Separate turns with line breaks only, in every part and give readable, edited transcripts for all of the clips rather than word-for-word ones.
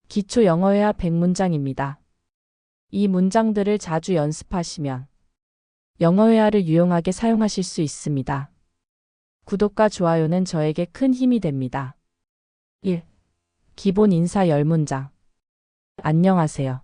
기초 영어회화 100문장입니다. 이 문장들을 자주 연습하시면 영어회화를 유용하게 사용하실 수 있습니다. 구독과 좋아요는 저에게 큰 힘이 됩니다. 1. 기본 인사 10문장. 안녕하세요.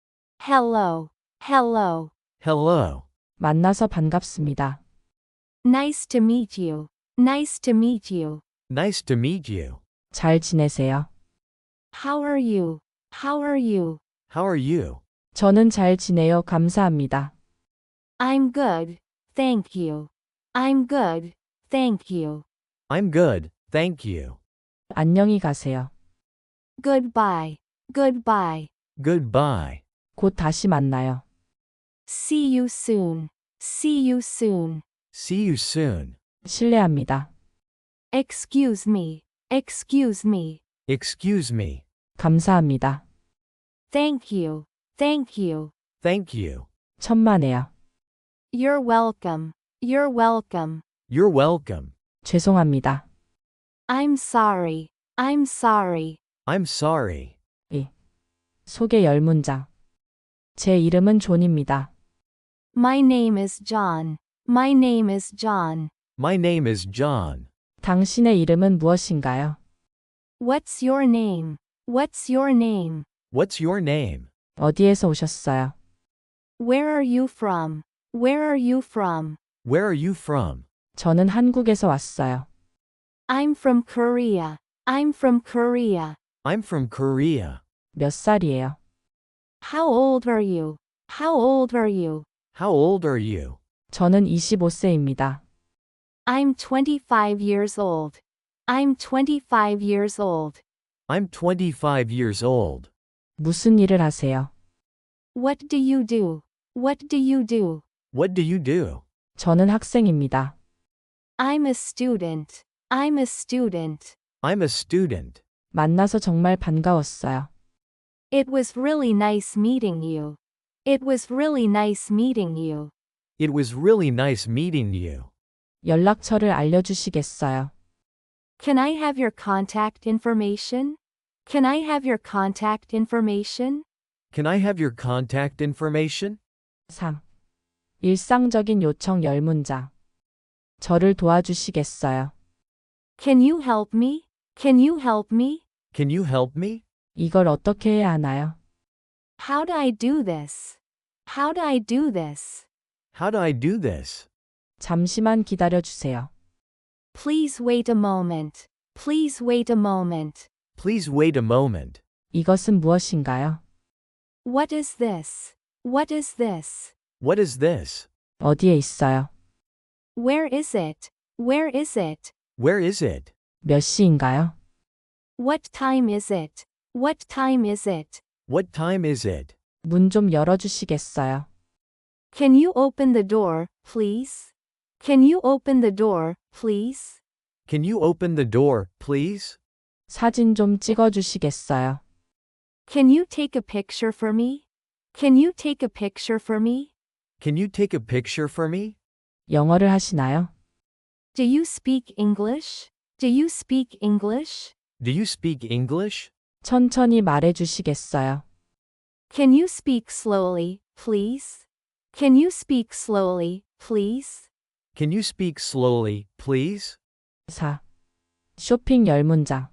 Hello, hello.
Hello.
만나서 반갑습니다.
Nice to meet you. Nice to meet you.
Nice to meet you.
잘 지내세요?
How are you? How are you?
How are you?
저는 잘 지내요. 감사합니다.
I'm good, thank you. I'm good, thank you.
I'm good, thank you.
안녕히 가세요.
Goodbye, goodbye.
Goodbye.
곧 다시 만나요.
See you soon. See you soon.
See you soon.
실례합니다.
Excuse me. Excuse me.
Excuse me.
감사합니다.
Thank you. Thank you.
Thank you.
천만에요.
You're welcome. You're welcome.
You're welcome.
죄송합니다.
I'm sorry. I'm sorry.
I'm sorry.
2. 소개 10문장. 제 이름은 존입니다.
My name is John. My name is John.
My name is John.
당신의 이름은 무엇인가요?
What's your name? What's your name?
What's your name?
어디에서 오셨어요?
Where are you from? Where are you from?
Where are you from?
저는 한국에서 왔어요.
I'm from Korea. I'm from Korea.
I'm from Korea.
몇 살이에요?
How old are you? How old are you?
How old are you?
저는 25세입니다.
I'm 25 years old. I'm 25 years old.
I'm 25 years old.
무슨 일을 하세요?
What do you do? What do you do?
What do you do?
저는 학생입니다.
I'm a student. I'm a student.
I'm a student.
만나서 정말 반가웠어요.
It was really nice meeting you. It was really nice meeting you.
It was really nice meeting you.
연락처를 알려주시겠어요?
Can I have your contact information? Can I have your contact information?
Can I have your contact information?
3. 일상적인 요청 10문장. 저를 도와주시겠어요?
Can you help me? Can you help me?
Can you help me?
이걸 어떻게 해야 하나요?
How do I do this? How do I do this?
How do I do this?
잠시만 기다려주세요.
Please wait a moment. Please wait a moment.
Please wait a moment.
이것은 무엇인가요?
What is this? What is this?
What is this?
어디에 있어요?
Where is it? Where is it?
Where is it?
몇 시인가요?
What time is it? What time is it?
What time is it?
문 좀 열어주시겠어요?
Can you open the door, please? Can you open the door, please?
Can you open the door, please?
사진 좀 찍어주시겠어요?
Can you take a picture for me? Can you take a picture for me?
Can you take a picture for me?
영어를 하시나요?
Do you speak English? Do you speak English?
Do you speak English?
천천히 말해주시겠어요?
Can you speak slowly, please? Can you speak slowly, please?
Can you speak slowly, please?
4. 쇼핑 10문장.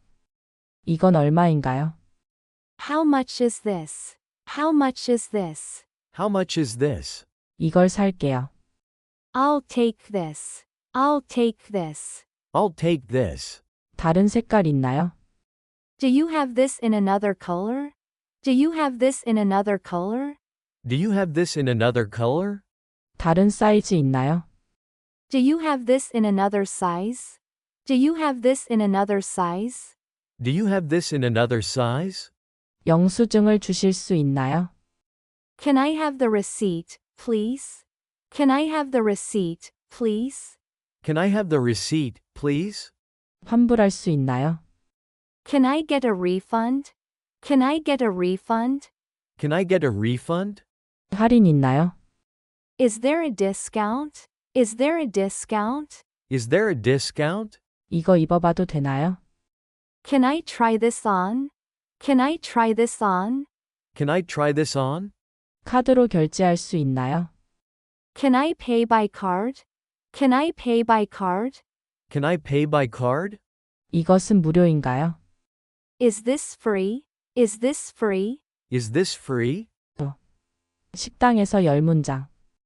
이건 얼마인가요?
How much is this? How much is this?
How much is this?
이걸 살게요.
I'll take this. I'll take this.
I'll take this.
다른 색깔 있나요?
Do you have this in another color? Do you have this in another color?
Do you have this in another color?
다른 사이즈 있나요?
Do you have this in another size? Do you have this in another size?
Do you have this in another size?
영수증을 주실 수 있나요?
Can I have the receipt, please? Can I have the receipt, please?
Can I have the receipt, please?
환불할 수 있나요?
Can I get a refund? Can I get a refund?
Can I get a refund?
할인 있나요?
Is there a discount? Is there a discount?
Is there a discount?
이거 입어봐도 되나요?
Can I try this on? Can I try this on?
Can I try this on?
카드로 결제할 수 있나요?
Can I pay by card? Can I pay by card?
Can I pay by card?
이것은 무료인가요?
Is this free? Is this free?
Is this free?
식당에서 10문장.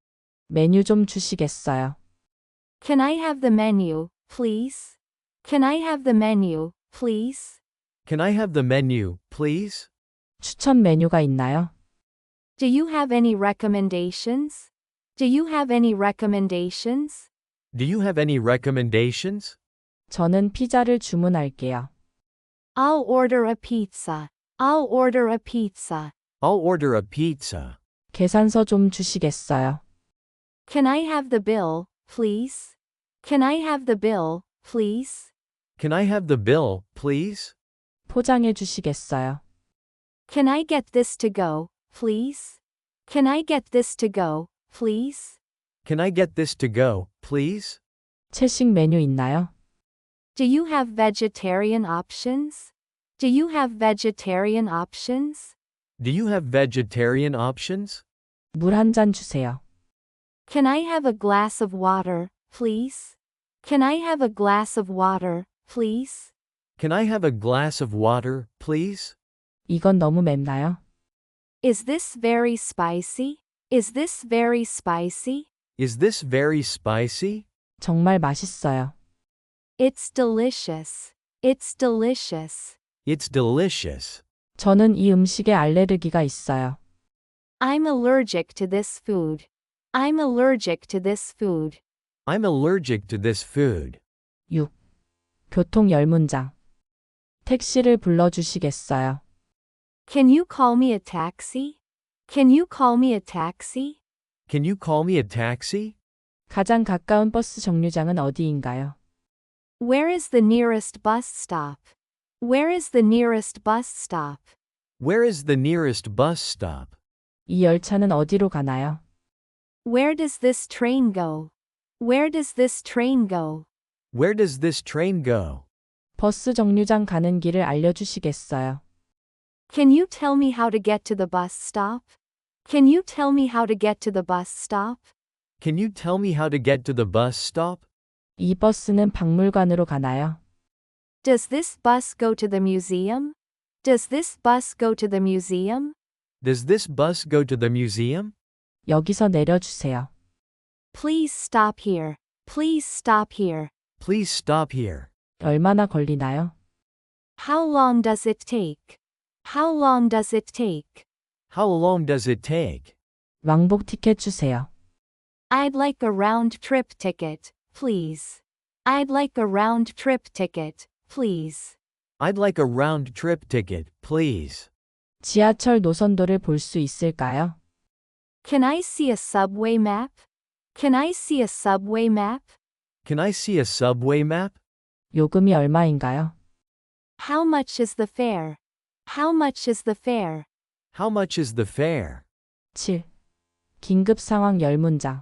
메뉴 좀 주시겠어요?
Can I have the menu, please? Can I have the menu, please?
Can I have the menu, please?
추천 메뉴가 있나요?
Do you have any recommendations? Do you have any recommendations?
Do you have any recommendations?
저는 피자를 주문할게요.
I'll order a pizza. I'll order a pizza.
I'll order a pizza.
계산서 좀 주시겠어요?
Can I have the bill, please? Can I have the bill, please?
Can I have the bill, please?
포장해 주시겠어요?
Can I get this to go, please? Can I get this to go, please?
Can I get this to go, please?
채식 메뉴 있나요?
Do you have vegetarian options? Do you have vegetarian options?
Do you have vegetarian options?
물 한 잔 주세요.
Can I have a glass of water, please? Can I have a glass of water, please?
Can I have a glass of water, please?
이건 너무 맵나요?
Is this very spicy? Is this very spicy?
Is this very spicy?
정말 맛있어요.
It's delicious. It's delicious.
It's delicious.
저는 이 음식에 알레르기가 있어요.
I'm allergic to this food. I'm allergic to this food.
I'm allergic to this food.
6. 교통 10문장. 택시를 불러주시겠어요?
Can you call me a taxi? Can you call me a taxi?
Can you call me a taxi?
가장 가까운 버스 정류장은 어디인가요?
Where is the nearest bus stop? Where is the nearest bus stop?
Where is the nearest bus stop?
이 열차는 어디로 가나요?
Where does this train go? Where does this train go?
Where does this train go?
버스 정류장 가는 길을 알려주시겠어요?
Can you tell me how to get to the bus stop? Can you tell me how to get to the bus stop?
Can you tell me how to get to the bus stop?
이 버스는 박물관으로 가나요?
Does this bus go to the museum? Does this bus go to the museum?
Does this bus go to the museum?
여기서 내려주세요.
Please stop here. Please stop here.
Please stop here.
얼마나 걸리나요?
How long does it take? How long does it take?
How long does it take?
왕복 티켓 주세요.
I'd like a round trip ticket, please. I'd like a round trip ticket, please.
I'd like a round trip ticket, please.
지하철 노선도를 볼 수 있을까요?
Can I see a subway map? Can I see a subway map?
Can I see a subway map?
요금이 얼마인가요?
How much is the fare? How much is the fare?
How much is the fare?
7. 긴급 상황 10문장.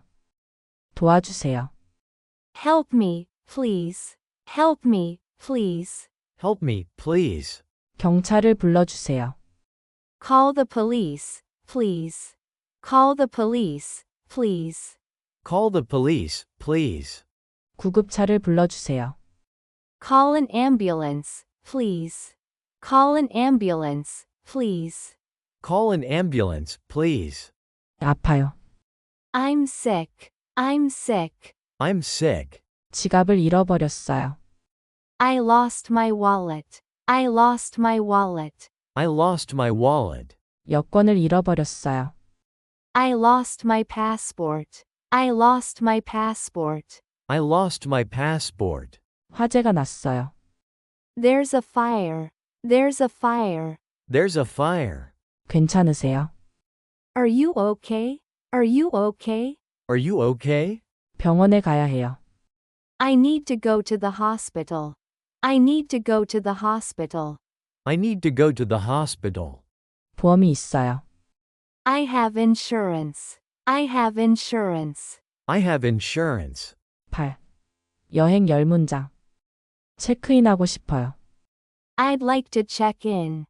도와주세요.
Help me, please. Help me, please.
Help me, please.
경찰을 불러주세요.
Call the police, please. Call the police, please.
Call the police, please.
구급차를 불러주세요.
Call an ambulance, please. Call an ambulance, please.
Call an ambulance, please.
아파요.
I'm sick. I'm sick.
I'm sick.
지갑을 잃어버렸어요.
I lost my wallet. I lost my wallet.
I lost my wallet.
여권을 잃어버렸어요.
I lost my passport. I lost my passport.
I lost my passport.
화재가 났어요.
There's a fire. There's a fire.
There's a fire.
괜찮으세요?
Are you okay? Are you okay?
Are you okay?
병원에 가야 해요.
I need to go to the hospital. I need to go to the hospital.
I need to go to the hospital.
보험이 있어요.
I have insurance. I have insurance.
I have insurance.
8. 여행 10문장. 체크인하고 싶어요.
I'd like to check in.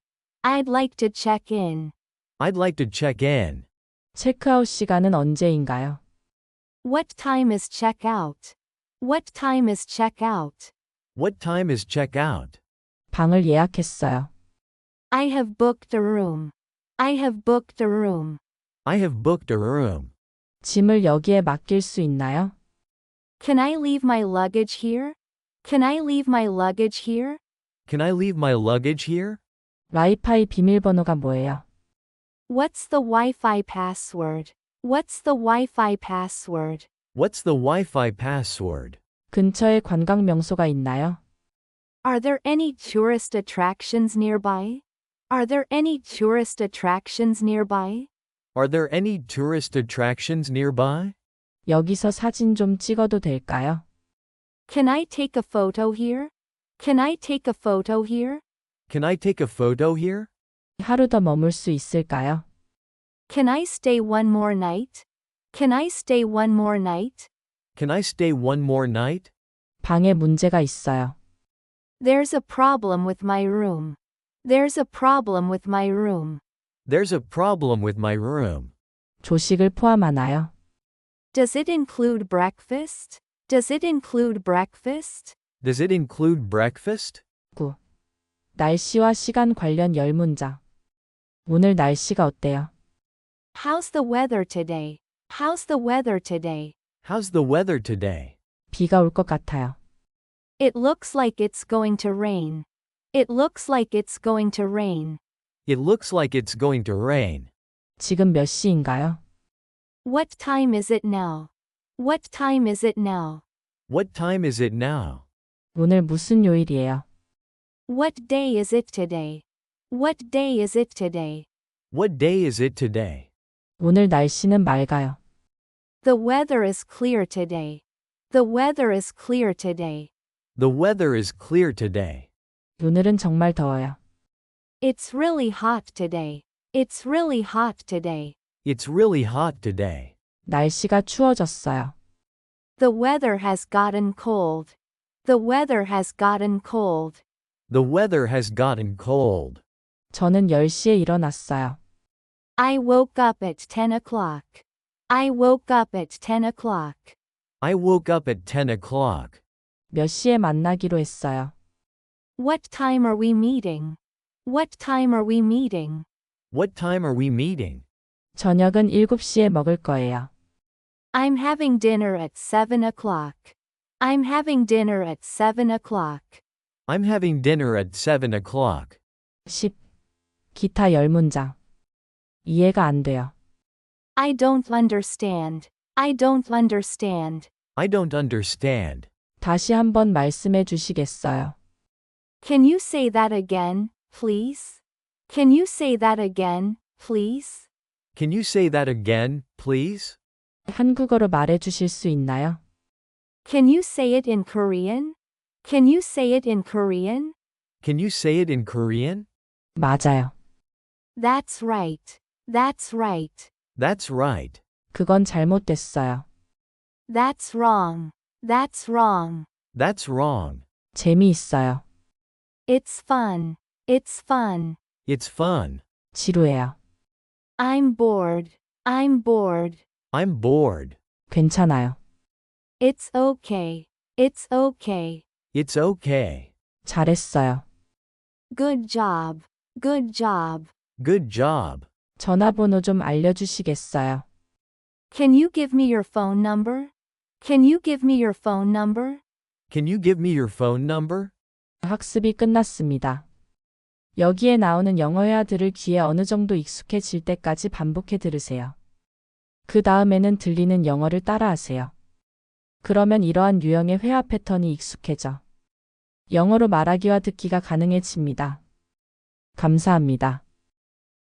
I'd like to check in.
I'd like to check in.
체크아웃 시간은 언제인가요?
What time is check out? What time is check out?
What time is check out?
방을 예약했어요.
I have booked a room. I have booked a room.
I have booked a room.
짐을 여기에 맡길 수 있나요?
Can I leave my luggage here? Can I leave my luggage here?
Can I leave my luggage here?
와이파이 비밀번호가 뭐예요?
What's the Wi-Fi password? What's the Wi-Fi password?
What's the Wi-Fi password?
근처에 관광 명소가 있나요?
Are there any tourist attractions nearby? Are there any tourist attractions nearby?
Are there any tourist attractions nearby?
여기서 사진 좀 찍어도 될까요?
Can I take a photo here? Can I take a photo here?
Can I take a photo here?
하루 더 머물 수 있을까요?
Can I stay one more night? Can I stay one more night?
Can I stay one more night?
방에 문제가 있어요.
There's a problem with my room. There's a problem with my room.
There's a problem with my room.
조식을 포함하나요?
Does it include breakfast? Does it include breakfast?
Does it include breakfast?
9. 날씨와 시간 관련 열문장. 오늘 날씨가 어때요?
How's the weather today? How's the weather today?
How's the weather today?
비가 올 것 같아요.
It looks like it's going to rain. It looks like it's going to rain.
It looks like it's going to rain.
지금 몇 시인가요?
What time is it now? What time is it now?
What time is it now?
오늘 무슨 요일이에요?
What day is it today? What day is it today?
What day is it today?
오늘 날씨는 맑아요.
The weather is clear today. The weather is clear today.
The weather is clear today.
오늘은 정말 더워요.
It's really hot today. It's really hot today.
It's really hot today.
날씨가 추워졌어요.
The weather has gotten cold. The weather has gotten cold.
The weather has gotten cold.
저는 10시에 일어났어요.
I woke up at 10 o'clock. I woke up at 10 o'clock.
I woke up at 10 o'clock.
몇 시에 만나기로 했어요.
What time are we meeting? What time are we meeting?
What time are we meeting?
저녁은 7시에 먹을 거예요.
I'm having dinner at 7 o'clock. I'm having dinner at 7 o'clock.
I'm having dinner at 7 o'clock.
10. 기타 열문장. 이해가 안 돼요.
I don't understand. I don't understand.
I don't understand.
다시 한번 말씀해 주시겠어요?
Can you say that again, please? Can you say that again, please?
Can you say that again, please?
한국어로 말해 주실 수 있나요?
Can you say it in Korean? Can you say it in Korean?
Can you say it in Korean?
맞아요.
That's right. That's right.
That's right.
그건 잘못됐어요.
That's wrong. That's wrong.
That's wrong.
재미있어요.
It's fun. It's fun.
It's fun.
지루해요.
I'm bored. I'm bored.
I'm bored.
괜찮아요.
It's okay. It's okay.
It's okay.
잘했어요.
Good job. Good job.
Good job.
전화번호 좀 알려주시겠어요?
Can you give me your phone number? Can you give me your phone number?
Can you give me your phone number?
학습이 끝났습니다. 여기에 나오는 영어 회화들을 귀에 어느 정도 익숙해질 때까지 반복해 들으세요. 그 다음에는 들리는 영어를 따라하세요. 그러면 이러한 유형의 회화 패턴이 익숙해져 영어로 말하기와 듣기가 가능해집니다. 감사합니다.